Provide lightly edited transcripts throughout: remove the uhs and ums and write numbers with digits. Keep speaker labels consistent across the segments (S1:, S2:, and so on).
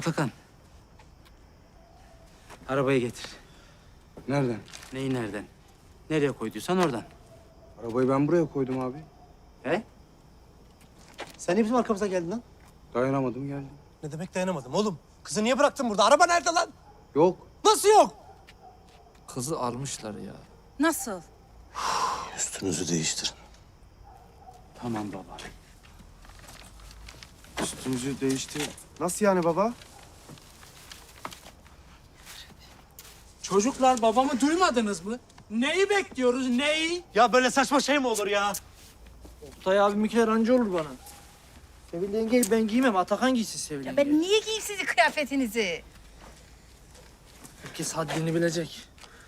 S1: Atakan. Arabayı getir.
S2: Nereden?
S1: Neyi nereden? Nereye koyduysan oradan.
S2: Arabayı ben buraya koydum abi.
S1: He?
S3: Sen niye bizim arkamıza geldin lan?
S2: Dayanamadım geldim.
S3: Ne demek dayanamadım oğlum? Kızı niye bıraktın burada? Araba nerede lan?
S2: Yok.
S3: Nasıl yok?
S4: Kızı almışlar ya.
S5: Nasıl?
S6: Üstünüzü değiştirin.
S1: Tamam baba.
S2: Üstümüzü değişti. Nasıl yani baba?
S7: Çocuklar babamı duymadınız mı? Neyi bekliyoruz, neyi?
S3: Ya böyle saçma şey mi olur ya?
S4: Oktay abimkiler anca olur bana. Sevil yengeyi ben giymem. Atakan giysin Sevil
S5: Ya
S4: yenge.
S5: ben niye giyeyim sizin kıyafetinizi?
S4: Herkes haddini bilecek.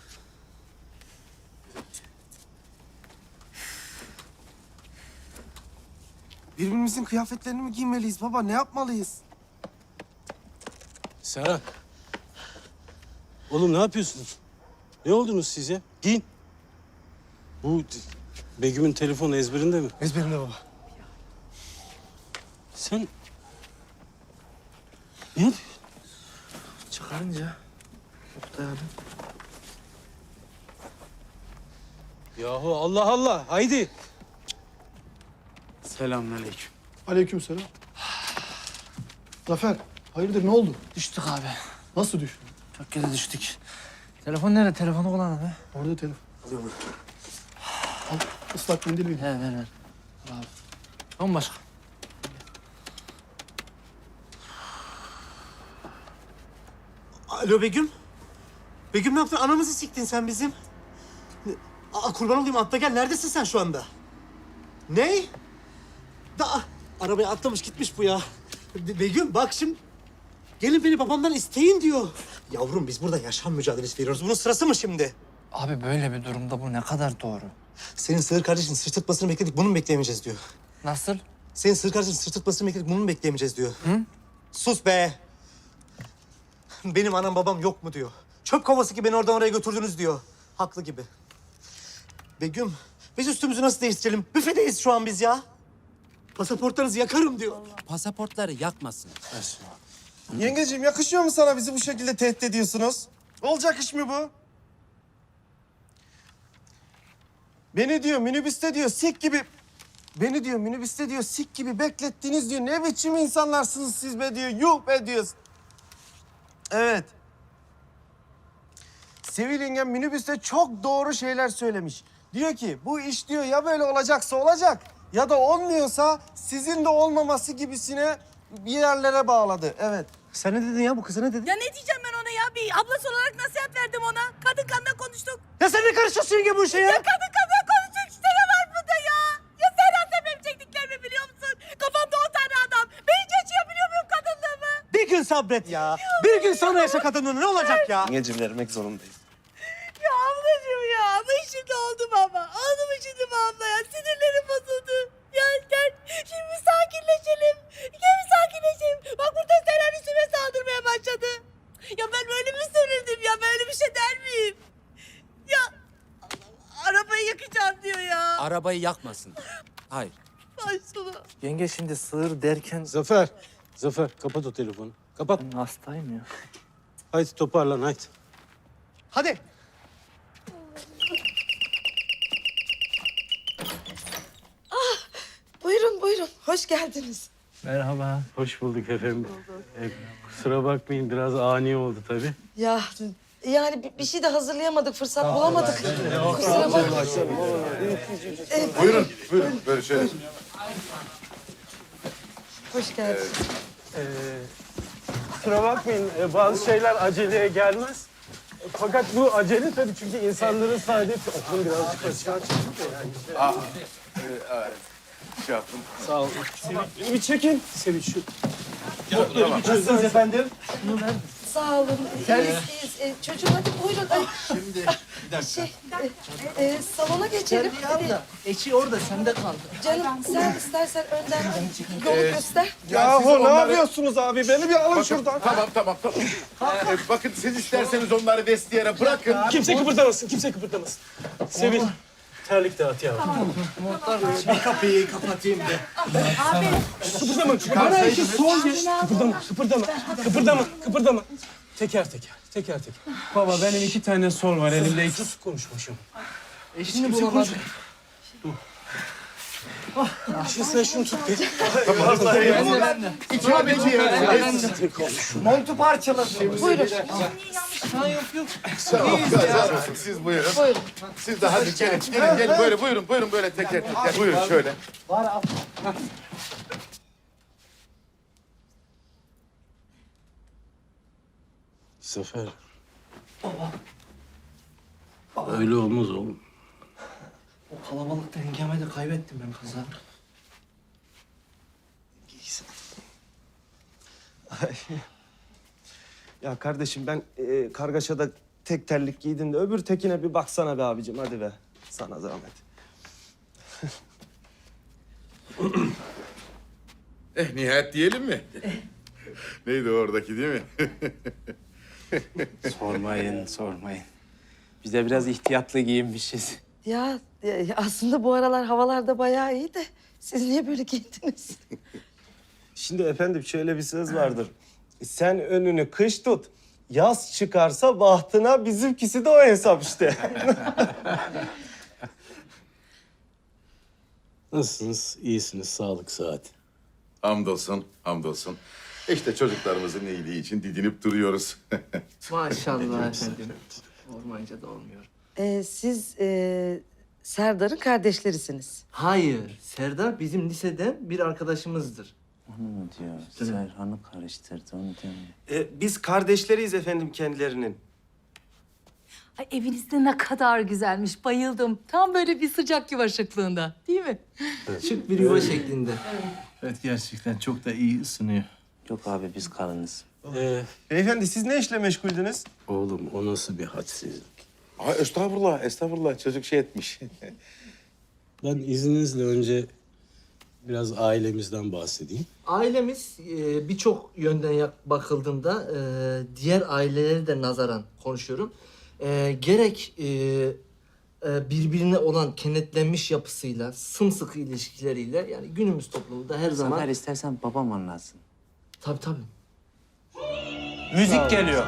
S2: Birbirimizin kıyafetlerini mi giymeliyiz baba? Ne yapmalıyız?
S6: Serhat. Oğlum ne yapıyorsunuz? Ne oldunuz siz ya? Giyin. Bu Begüm'ün telefonu ezberinde mi?
S3: Ezberimde baba.
S6: Sen... Ne yapıyorsun?
S4: Çıkarınca Oktay abi.
S6: Yahu Allah Allah. Haydi.
S1: Selamünaleyküm.
S8: Aleykümselam. Zafer, hayırdır ne oldu?
S4: Düştük abi.
S8: Nasıl düştün?
S4: Çok kere düştük. Telefon nerede? Telefonu kullan abi.
S8: Orada telefon. Al, ıslak mendil ver.
S4: He ver. Al abi. Tamam başka.
S3: Alo Begüm. Begüm ne yaptın? Anamızı siktin sen bizim. Kurban olayım atla gel. Neredesin sen şu anda? Ne? Arabaya atlamış gitmiş bu ya. Begüm bak şimdi. Gelin beni babamdan isteyin diyor. Yavrum biz burada yaşam mücadelesi veriyoruz. Bunun sırası mı şimdi?
S4: Abi böyle bir durumda bu ne kadar doğru?
S3: Senin sığır kardeşin sırtırtmasını bekledik. Bunu mu bekleyemeyeceğiz diyor.
S4: Nasıl?
S3: Senin sığır kardeşin sırtırtmasını bekledik. Bunu mu bekleyemeyeceğiz diyor. Hı? Sus be. Benim anam babam yok mu diyor. Çöp kovası ki beni oradan oraya götürdünüz diyor. Haklı gibi. Begüm, biz üstümüzü nasıl değiştirelim? Büfedeyiz şu an biz ya. Pasaportlarınızı yakarım diyor.
S1: Pasaportları yakmasın.
S2: Yengeciğim yakışıyor mu sana bizi bu şekilde tehdit ediyorsunuz? Olacak iş mi bu? Beni diyor minibüste diyor sik gibi... Beni diyor minibüste diyor sik gibi beklettiniz diyor. Ne biçim insanlarsınız siz be diyor. Yuh be diyor. Evet. Sevil yengem minibüste çok doğru şeyler söylemiş. Diyor ki bu iş diyor ya böyle olacaksa olacak ya da olmuyorsa sizin de olmaması gibisine bir yerlere bağladı. Evet.
S3: Sen ne dedin ya? Bu kıza ne dedin?
S5: Ya ne diyeceğim ben ona ya? Bir ablası olarak nasihat verdim ona. Kadın kanına konuştuk.
S3: Ya sen ne karışıyorsun yenge bu işe ya?
S5: Ya kadın kanına konuştuk işte ne var bunda ya? Ya Serhat sen benim çektiklerimi biliyor musun? Kafamda 10 tane adam. Ben hiç yaşayabiliyor muyum kadınlığımı?
S3: Bir gün sabret ya. Bir gün sonra yaşa kadınlığını ne olacak ya?
S2: Yengeciğim vermek zorundayım.
S5: Ya ablacığım ya. Ama şimdi oldum ama. Oldu mu şimdi bu abla ya? Sinirlerim bozuldu. Ya gel şimdi bir sakinleşelim. Gel bir sakinleşelim. Bak burada Serhat üstüme saldırmaya başladı. Ya ben böyle mi söyledim ya? Böyle bir şey der miyim? Ya Allah, arabayı yakacağım diyor ya.
S1: Arabayı yakmasın. Hayır.
S5: Ay sana.
S4: Yenge şimdi sığır derken...
S6: Zafer. Zafer kapat o telefonu. Kapat.
S4: Ben hastayım ya.
S6: Haydi toparlan haydi.
S3: Hadi.
S9: Buyurun buyurun. Hoş geldiniz.
S4: Merhaba.
S6: Hoş bulduk efendim. Kusura bakmayın biraz ani oldu tabii.
S9: Ya yani bir şey de hazırlayamadık. Fırsat bulamadık. Kusura bakmayın.
S10: Buyurun, buyurun. Böyle şöyle.
S9: Hoş geldiniz.
S6: Kusura bakmayın bazı şeyler aceleye gelmez. Fakat bu acele tabii çünkü insanların saadeti okulun birazcık aşağı çıktı yani.
S10: Şey yapın.
S6: Sağ olun. Bir çekin. Sevinç şu.
S3: Nasılsınız efendim?
S9: Sağ olun. İyiyiz. Çocuğum hadi buyurun. Ay,
S10: Şimdi bir dakika.
S9: salona geçelim. Hadi.
S4: Eşi orada sende kaldı.
S9: Canım sen istersen önden yolu göster.
S2: Yahu ne yapıyorsunuz abi? Beni bir alın şuradan.
S10: Tamam. Bakın siz isterseniz onları vestiyere bırakın.
S6: Kimse kıpırdamasın, kimse kıpırdamasın. Sevil, terlik dağıt yavrum.
S3: Bir kapıyı kapatayım da.
S6: Kıpırdama. Bana iki sol geç. Kıpırdama. Teker teker. Baba benim 2 tane sol var elimde. Sus konuşmuşum.
S4: Eşini bulamadım.
S6: Şimdi sen şunu tut bir.
S2: Montu parçaladı.
S10: Siz buyurun. Siz de hadi gelin böyle buyurun böyle teker. Buyurun şöyle.
S6: Zafer. Öyle olmaz oğlum.
S4: O kalabalıkta hengame de kaybettim ben kızı.
S2: Ya kardeşim ben kargaşada tek terlik giydim de öbür tekine bir baksana be abicim hadi be. Sana zahmet.
S10: Nihayet diyelim mi? Neydi oradaki değil mi?
S1: Sormayın. Biz de biraz ihtiyatlı giyinmişiz.
S9: Ya aslında bu aralar havalarda bayağı iyi de siz niye böyle giyindiniz?
S2: Şimdi efendim şöyle bir söz vardır. Sen önünü kış tut. Yaz çıkarsa bahtına bizimkisi de o hesap işte.
S6: Nasılsınız? İyisiniz. Sağlık, sıhhat.
S10: Hamdolsun. İşte çocuklarımızın iyiliği için didinip duruyoruz.
S4: Maşallah efendim. Olmayınca da olmuyor.
S9: Siz Serdar'ın kardeşlerisiniz.
S4: Hayır. Serdar bizim liseden bir arkadaşımızdır.
S1: Onu mu diyor? Serhan'ı karıştırdı onu demiyor.
S2: Biz kardeşleriyiz efendim kendilerinin.
S5: Ay eviniz de ne kadar güzelmiş. Bayıldım. Tam böyle bir sıcak yuva şıklığında. Değil mi?
S4: Şık bir yuva şeklinde.
S6: Evet, gerçekten çok da iyi ısınıyor.
S1: Yok abi biz kalınız.
S2: Beyefendi siz ne işle meşguldünüz?
S6: Oğlum o nasıl bir hadsizlik?
S10: Ay estağfurullah. Çocuk şey etmiş.
S6: Ben izninizle önce biraz ailemizden bahsedeyim.
S4: Ailemiz birçok yönden bakıldığında diğer aileleri de nazaran konuşuyorum. Gerek birbirine olan kenetlenmiş yapısıyla, sımsıkı ilişkileriyle yani günümüz toplumunda her zaman...
S1: Zafer istersen babam anlatsın.
S4: Tabii.
S1: Müzik geliyor.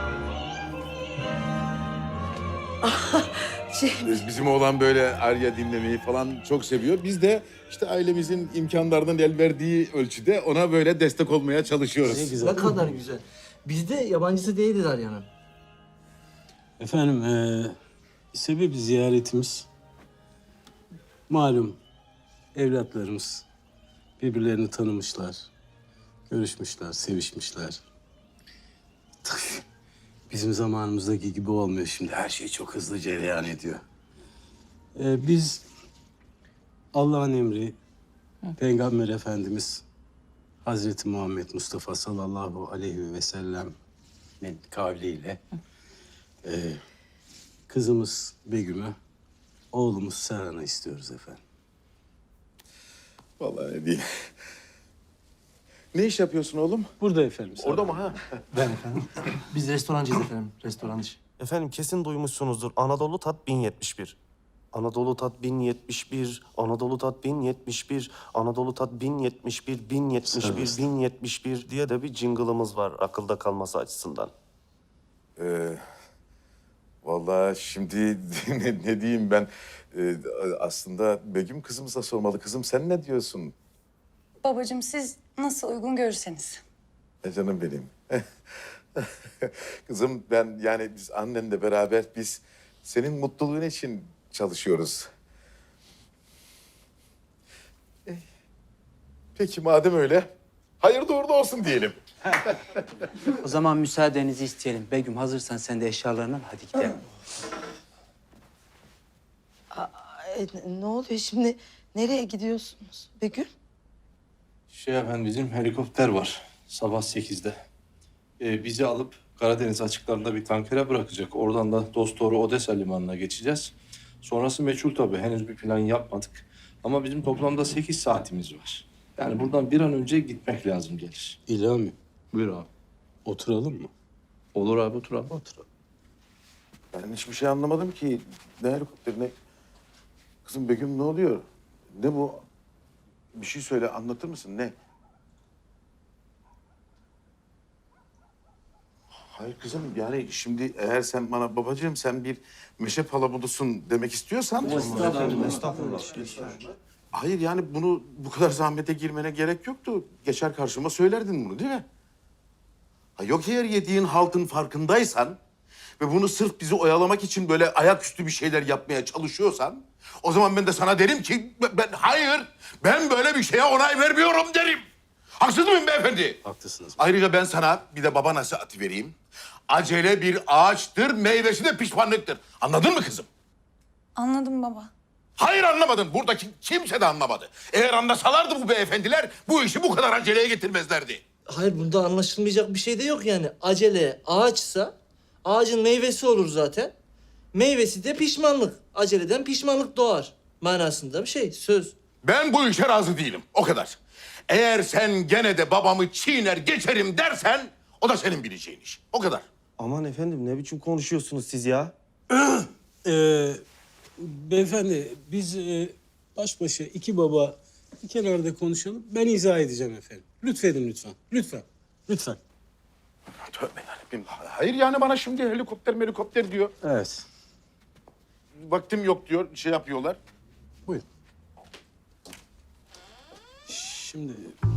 S10: Bizim oğlan böyle Arya dinlemeyi falan çok seviyor. Biz de işte ailemizin imkanlarının el verdiği ölçüde ona böyle destek olmaya çalışıyoruz.
S6: Ne güzel.
S4: Ne kadar güzel. Biz de yabancısı değiliz Arya'nın.
S6: Efendim, sebebi ziyaretimiz. Malum evlatlarımız birbirlerini tanımışlar, görüşmüşler, sevişmişler. Tabii bizim zamanımızdaki gibi olmuyor şimdi. Her şey çok hızlı cereyan ediyor. Biz Allah'ın emri, Peygamber Efendimiz Hazreti Muhammed Mustafa sallallahu aleyhi ve sellem'in kavliyle kızımız Begüm'ü, oğlumuz Serhan'ı istiyoruz efendim.
S10: Vallahi ne diyeyim. Ne iş yapıyorsun oğlum?
S6: Burada efendim.
S10: Orada mı ha?
S3: Ben efendim.
S4: Biz restorancıyız efendim, restorancı.
S2: Efendim kesin duymuşsunuzdur. Anadolu Tat 1071. Anadolu Tat 1071, Anadolu Tat 1071, Anadolu Tat 1071, 1071, 1071 diye de bir jingle'ımız var akılda kalması açısından.
S10: Vallahi şimdi ne diyeyim ben? Aslında Begüm kızımıza sormalı. Kızım sen ne diyorsun?
S5: Babacığım siz nasıl uygun görürseniz.
S10: Canım benim. Kızım ben yani biz annenle beraber biz senin mutluluğun için çalışıyoruz. Peki madem öyle, hayırlı uğurlu olsun diyelim.
S1: O zaman müsaadenizi isteyelim. Begüm hazırsan sen de eşyalarını al. Hadi gidelim.
S9: Ne oluyor şimdi? Nereye gidiyorsunuz Begüm?
S11: Efendim bizim helikopter var sabah 8'de. Bizi alıp Karadeniz açıklarında bir tankere bırakacak. Oradan da dosdoğru Odessa limanına geçeceğiz. Sonrası meçhul tabii. Henüz bir plan yapmadık. Ama bizim toplamda 8 saatimiz var. Yani buradan bir an önce gitmek lazım gelir.
S6: İlhami,
S11: Buyur abi.
S6: oturalım mı?
S11: Olur abi otur abi.
S6: Oturalım.
S10: Ben hiçbir şey anlamadım ki. Ne helikopteri ne? Kızım Begüm ne oluyor? Ne bu? Bir şey söyle, anlatır mısın? Ne? Hayır kızım, yani şimdi eğer sen bana babacığım sen bir meşe palamudusun demek istiyorsan...
S2: Estağfurullah.
S10: Hayır yani bunu bu kadar zahmete girmene gerek yoktu. Geçer karşıma söylerdin bunu değil mi? Ha, yok eğer yediğin haltın farkındaysan ve bunu sırf bizi oyalamak için böyle ayaküstü bir şeyler yapmaya çalışıyorsan... O zaman ben de sana derim ki ben böyle bir şeye onay vermiyorum derim. Haksız mıyım beyefendi?
S11: Haklısınız.
S10: Ayrıca ben sana bir de baba nasihati vereyim. Acele bir ağaçtır, meyvesi de pişmanlıktır. Anladın mı kızım?
S5: Anladım baba.
S10: Hayır anlamadın. Buradaki kimse de anlamadı. Eğer anlasalardı bu beyefendiler bu işi bu kadar aceleye getirmezlerdi.
S4: Hayır bunda anlaşılmayacak bir şey de yok yani. Acele ağaçsa ağacın meyvesi olur zaten. Meyvesi de pişmanlık. Aceleden pişmanlık doğar manasında bir şey, söz.
S10: Ben bu işe razı değilim. O kadar. Eğer sen gene de babamı çiğner geçerim dersen o da senin bileceğin iş. O kadar.
S2: Aman efendim ne biçim konuşuyorsunuz siz ya?
S6: Beyefendi biz baş başa iki baba bir kenarda konuşalım. Ben izah edeceğim efendim. Lütfedin lütfen. Lütfen. Lütfen.
S10: Tövbe yarabbim. Hayır yani bana şimdi helikopter diyor.
S6: Evet.
S10: Vaktim yok diyor. Şey yapıyorlar.
S6: Buyurun. Şimdi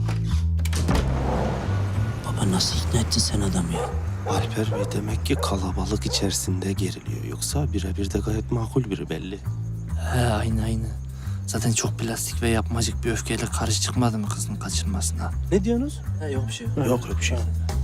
S1: Baba nasıl ikna ettin sen adamı ya?
S8: Alper Bey demek ki kalabalık içerisinde geriliyor. Yoksa birebir de gayet makul biri belli.
S4: He aynı. Zaten çok plastik ve yapmacık bir öfkeyle karşı çıkmadı mı kızın kaçırmasına?
S8: Ne diyorsunuz?
S4: He yok bir şey.
S8: Yok öyle bir şey.